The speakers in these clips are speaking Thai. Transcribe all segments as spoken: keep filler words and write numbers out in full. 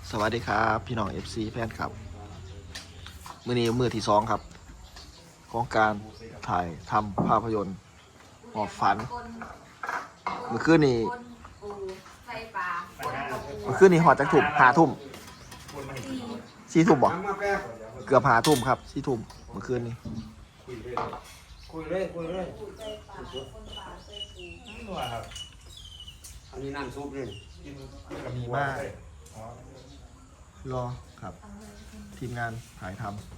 สวัสดีครับพี่น้อง เอฟ ซี แฟนครับมือนี้มือที่สองครับของการถ่ายทำภาพยนตร์หอบฝันเมื่อคืนนี้เมื่อคืนนี้หอดจากทุ่มหาทุ่มสี่ทุ่มบ่เกือบหาทุ่มครับสี่ทุ่มเมื่อคืนนี้คุยเลยคุยเลยอันนี้น้ำซุปเลยมีมากรอครับทีมงานถ่ายทำ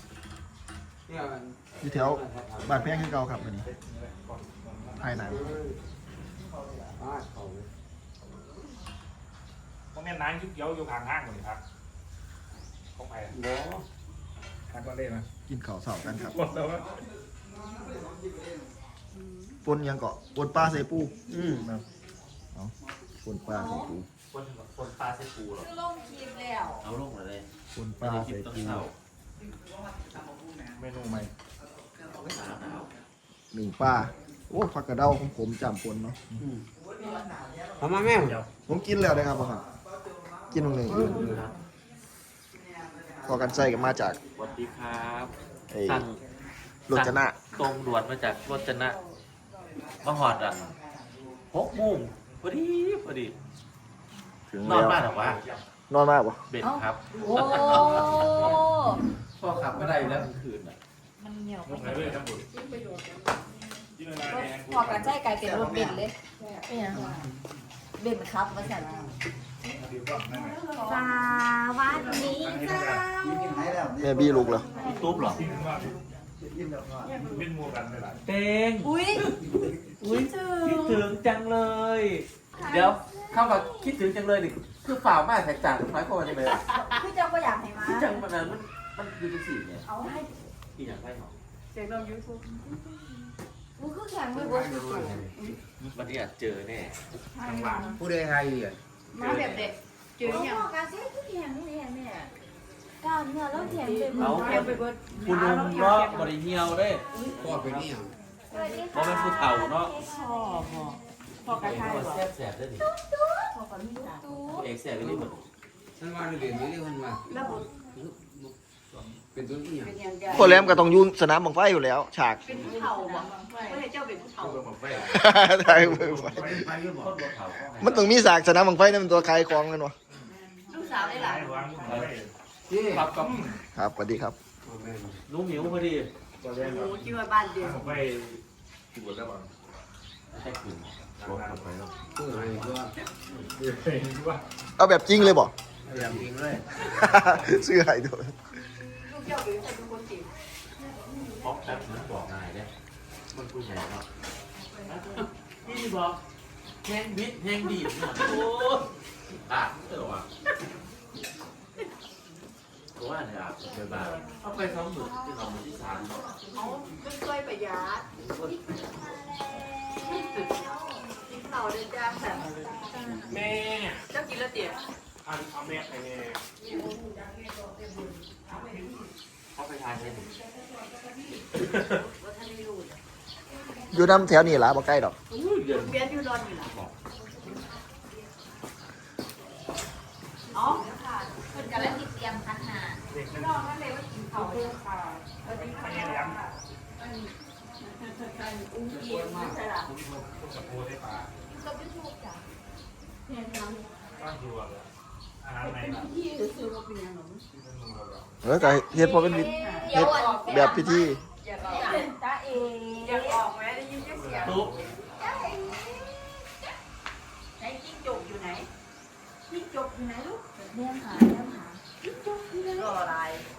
อยู่แถวบ้านแพงขึ้นเก่าครับวันนี้ถ่ายหนังพวกนี้น้ำยุบเย้าอยู่ข้างห้างหมดเลยครับของไปบ่ทางก็เล่นนะกินข้าวเสากันครับหมดแล้วว่าปนยังเกาะปนปลาใส่ปูอืมเอาปนปลาใส่ปูคนคนปลาใส่ปูหรอลงคลิปแล้วเอาลงมาเลยปนปลาใส่ปูเมนูใหม่หนึ่งปลาโอ้ผักกระเด้าของผมจำปนเนาะทำมาแม่ผมกินแล้วนะครับพ่อครับกินตรงหนึ่งอื่นพอกันใส่กันมาจากสวัสดีครับไอ้สั่งรจนะตรงด่วนมาจากรจนะมาหอดอ่ะหกโมงพอดีพอดีถึงนอนแล้วบ้านหรอวะนอนมากปะเบ็ดครับโอ้พ่อขับไม่ได้แล้วกลางคืนอ่ะมันเหนียวลงไหนเลยครับบุญกินอะไรแดงพอกันใช้กลายเป็นรถเบนเลยเป็นยังเบนครับมาสั่นสวัสดีจ้าแม่บี้ลูกเหรอตุ๊บเหรอกินว่าเป็นมัวกันเลยล่ะเต็งอุ้ยอุ้ยคิดถึงจังเลย เดี๋ยวเข้ามาคิดถึงจังเลยดิคือฝ่าวมากแตกต่างหมายความว่าจะเป็นพี่เจ้าก็อยากให้มาคือจังมันนั้นมันมันคือจังสี่เนี่ยเอาให้ที่อย่างไรหรอเสียงลงยูทูบมึงคือแข่งไม่บวชสูงวันนี้อาจเจอแน่ผู้ใดใครอ่ะมาแบบเด็กเจออย่างการเสียคือแข่งนี่แน่แม่กล้ามเนื้อแล้วแข่งไปหมดแข่งไปเบิดคุณลุงเนาะบริเฮียวเด้พ่อเป็นนี่อ่ะเพราะเป็นผู้เฒ่าเนาะพ่อพ่อพ่อกระชายตัวบอกแซ่บแสบได้ดิพ่อกับมีตาเอกแสบไปนี่หมดฉันว่าเรียนนี่มันว่าแล้วบุตรเป็นตัวนี้อ่ะเป็นยังไงพอแหลมก็ต้องอยุ่สนามบังไฟอยู่แล้ว ฉากเป็นผู้เฒ่าบอกไม่ใช่เจ้าเป็นผู้เฒ่าเบอร์หมดไปถ่ายบังไฟไปหรือเปล่าคนตัวเฒ่าเข้าไงมันต้องมีฉากสนามบังไฟนั่นเป็นตัวใครกองกันวะลูกสาวได้หลานวางไปนี่ครับกับครับสวัสดีครับลุงหมิวพอดีตัวแดงหมูชื่อว่าบ้านเดียวผมไปกินหมดแล้วบ้างใช่คืนรถหมดไปแล้วผู้ใครตัวเดี๋ยวเองว่าเอาแบบจริงเลยบ่อย่างจริงเลยซื้อให้ด้วยลูกเจ้าเป็นเป็นคนจีบป๊อกแป๊บนึงบอกนายเนี่ยมันผู้ใหญ่เนาะนี่บอกแห้งวิทย์แห้งดีดเนี่ยโอ้อ่ะเออว่ะตัวว่าเนี่ยอ่ะเดี๋ยวบ้าเอาไปสองหมื่นที่สองหมื่นที่สามเนาะเขาไม่เคยประหยัดกินเผาเดินจ้าแบบแม่เจ้ากินแล้วเตี๋ยอันเอาแม่ไปเนี่ยเขาไปทานเลยว่าท่านไม่รู้อยู่น้ำแถวนี้ล่ะบ่ใกล้ดอกเดือนเบียนอยู่ดอนอยู่นะอ๋อคนกันแล้วติดเตรียมพันหาเด็กนั่นนอกนั่นเลยว่ากินเผาเดินค่ะสวัสดีค่ะเลี้ยงอุ้งอิงไม่ใช่หรอคุณกับโพได้ปลาก็ไม่ถูกจ้ะเนี่ยน้ำบ้านครัวอาหารไหนล่ะที่ซื้อมาเป็นยังไงที่เป็นลุงเราเออแต่เฮ็ดพอเป็นวิเฮ็ดแบบพิธีอยากออกจ้าเออยากออกไหมได้ยินเสียงตุ๊บจ้าเอไหนจิ้งจกอยู่ไหนจิ้งจกอยู่ไหนลูกเลี้ยงหาเลี้ยงหาจิ้งจกอยู่ไหนรออะไร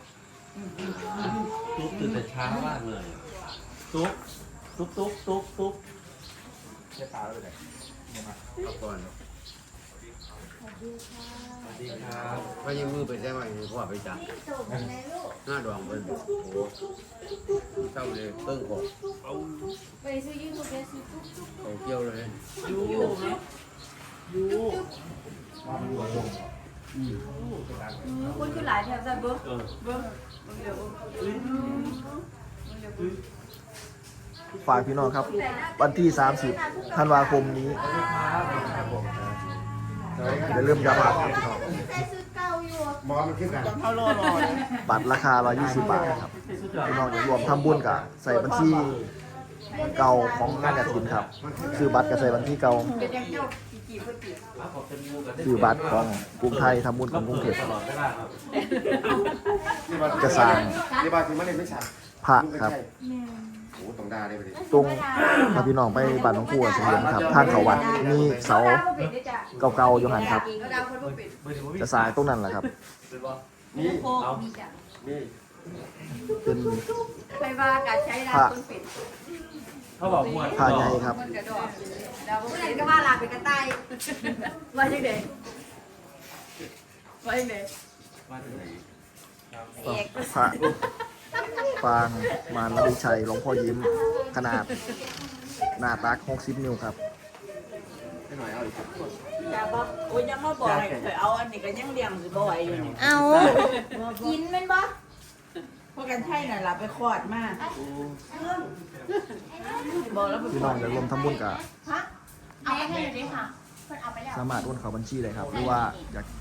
ตุ๊บตื่นแต่เช้ามากเลยตุ๊บตุ๊บตุ๊บตุ๊บตุ๊บใช้ปลาแล้วไปไหนมาเอาก่อนสวัสดีครับไปยืมมือไปใช่ไหมพ่อไปจับจิ้งจกอยู่ไหนลูกหน้าดองเป็นโอ้โหเจ้าเลยเพิ่งออกไปซื้อยืมตัวแกซื้อตุ๊กตุ๊กเขาเกี่ยวเลยยูครับยูว่ามันรวมวงคนคือหลายแถวซะเบิ้งเออเบิ้งเบิ้งเดี๋ยวเบิ้งฝากพี่น้องครับ วันที่สามสิบธันวาคมนี้อย่าลืมย้ำครับพี่น้องใส่ซื้อเก่าอยู่หมอมันขึ้นกันจังเขารอรอเลยบัตรราคาหนึ่งร้อยยี่สิบบาทครับพี่น้องอยากรวมทำบุญกับใส่บัญชีเก่าของงานกฐินครับคือบัตรกับใส่บัญชีเก่าเป็นยังเจ้ากี่กี่เพื่อกี่คือบัตรของกรุงไทยทำบุญของกรุงเทพตลอดเวลาครับจะสร้างนี่บางทีมันเลยไม่ชัดพระครับโอ้ตรงดาได้ไปดิตรงพาพี่น้องไปบ้านหลวงปู่เสถียรครับทางเขาวัดมีเสาเก่าๆอยู่หันครับดาวคนบ่เป็นจะสร้างตรงนั้นแหละครับนี่โคกมีจ้ะนี่เป็นไปว่าการใช้ดาวคนเป็นเขาบอกมวยผ้าใหญ่ครับมันกระดอกดาวคนเป็นก็ว่าลาเป็นกระต่ายว่าจังได๋ว่าจังได๋มาถึงไหนเอกพระปางมารวิชัยหลวงพ่อยิ้มขนาดหน้าตักหกสิบนิ้วครับให้หน่อยเอาอีกอย่าบอกโอ้ยยังมาบอกให้เคยเอาอันนี้ก็ยังเลี้ยงสิบ่ไหวอยู่นี่เอากินแม่นบ่เพราะกันใช่น่ะล่ะไปคลอดมาบอกแล้วพี่น้องอยากรวมทำบุญกับเอาไปให้เลยค่ะเพิ่นเอาไปแล้วสามารถโอนเข้าบัญชีเลยครับ หรือว่าอยาก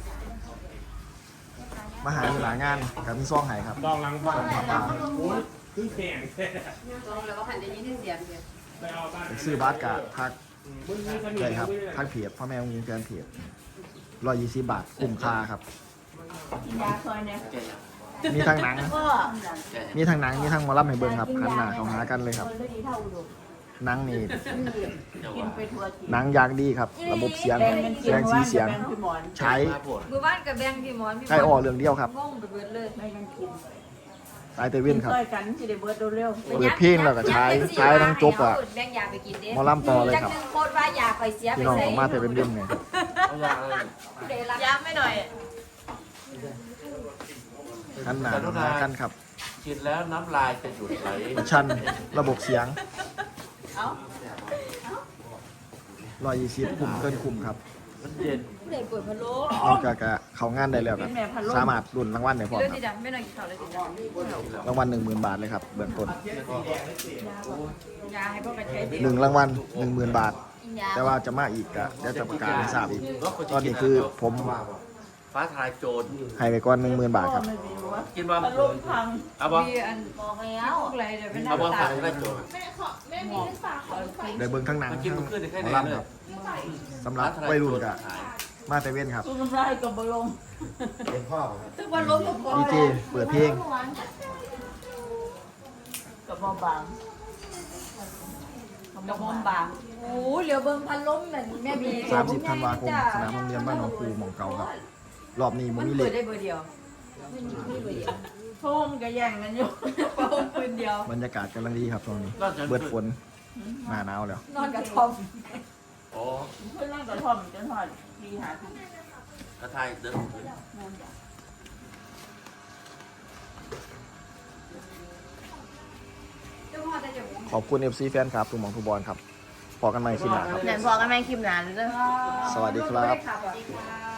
มาหาหลายงานกับมีซองไห้ครับดองหลังบ้านปลาโอ้ยคือแข็งแท้แล้วก็พันได้ยินเสียงเดียวไปเอาบ้านอยากซื้อบัตรกับทักมึงมีสนิทเลยครับทักเพจพ่อแม่องค์ยิงแฟนเพจร้อยยี่สิบบาทคุ้มค่าครับกินยาซอยเนี่ยมีทั้งหนังก็มีทั้งหนังมีทั้งหมอลำให้เบิ่งครับหันหน้าเข้าหากันเลยครับคนดีเท่าดูหนังนี่กินไปทัวร์ทีหนังอย่างดีครับ ระบบเสียงแบ่งกันกิแสนงสีว่าเสียงแบ่งพี่หมอนใช้มือบ้านกับแบงค์พี่หมอนพี่ใช้อ่อเรื่องเดียวครับงงไปเบิดเลยแบ่งกันกินสายเตเว่นครับช่วยกันสิได้เบิดเร็วเปิดเพลงแล้วก็ใช้ใช้ทั้งจบอะแบงค์ยาไปกินเด้หมอลำต่อเลยครับจักหนึ่งโคตรว่ายาไปเสียไปพี่น้องใส่ของมาเตเว่นเด่นไงเขาอยากเลยเดรักยาไม่หน่อยหันหน้าเข้าหากันครับกินแล้วน้ำลายจะหยุดไหลชันระบบเสียงเอาร้อยยี่สิบคุ้มเกินคุ้มครับมันเย็นเด็กเปิดพะโล้นอกจากจะเข้างานได้แล้วครับสามารถรุ่นรางวัลได้พร้อมเรื่องครับที่ดำไม่นอนกินข้าวเลยสิจ้ะรางวัลหนึ่งหมื่นบาทเลยครับเบื้องต้นยาให้พวกกันใช้ดีหนึ่งรางวัลหนึ่งหมื่นบาทกินยาแต่ว่าจะมาอีกอะเดี๋ยวจะประกาศให้ทราบอีก ตอนนี้คือผมฟ้าทลายโจรให้ไปก่อนหนึ่งหมื่นบาทครับไม่มีวะกินบ่พัดลมพังเอาบ่มีอันบอกแล้วพวกอะไรเดี๋ยวเป็นเอาบ่น้ำฟ้าตาทลายโจรได้เบิ่งทั้งหนังมันกิทั้นงมันขึ้นได้แค่หมไหอน ลำเลคยรับสำหรับวัยรุ่นกับมาเตเว่นครับตู้น้ำลายกับบลมเป็นพ่อครับทุกวันล้มกับดีเจเปิดเพลงกับบอบางกับมอมบางโอ้เหลียวเบิ่งพันล้มเหมือนแม่บีสามสิบธันวาคมสนามโรงเรียนบ้านหนองคูหม่องเก่าครับ รอบนี้มัมัน นมีเปิเล็ดกได้เบอร์เดียวมันมีเบอร์เดียวโทมก็แย่งกันอยู่เป่าปืนเดียวบรรยากาศกำลังดีครับตรงนี้ เบิดฝนหน้าหนาวแล้วนอนกับทอมโอ้เพื่อนนั่งกระท่อมจนหอดดีหาที่กระทายเดินขึ้นนั่นจ้ะเจ้าพ่อจะจะขอบคุณ เอฟ ซี แฟนครับทุกหมองทุกบอลครับพอกันใหม่คลิปหน้าครับไหนพอกันไหมคลิปหนานเลยสวัสดีครับสวัสดีครับ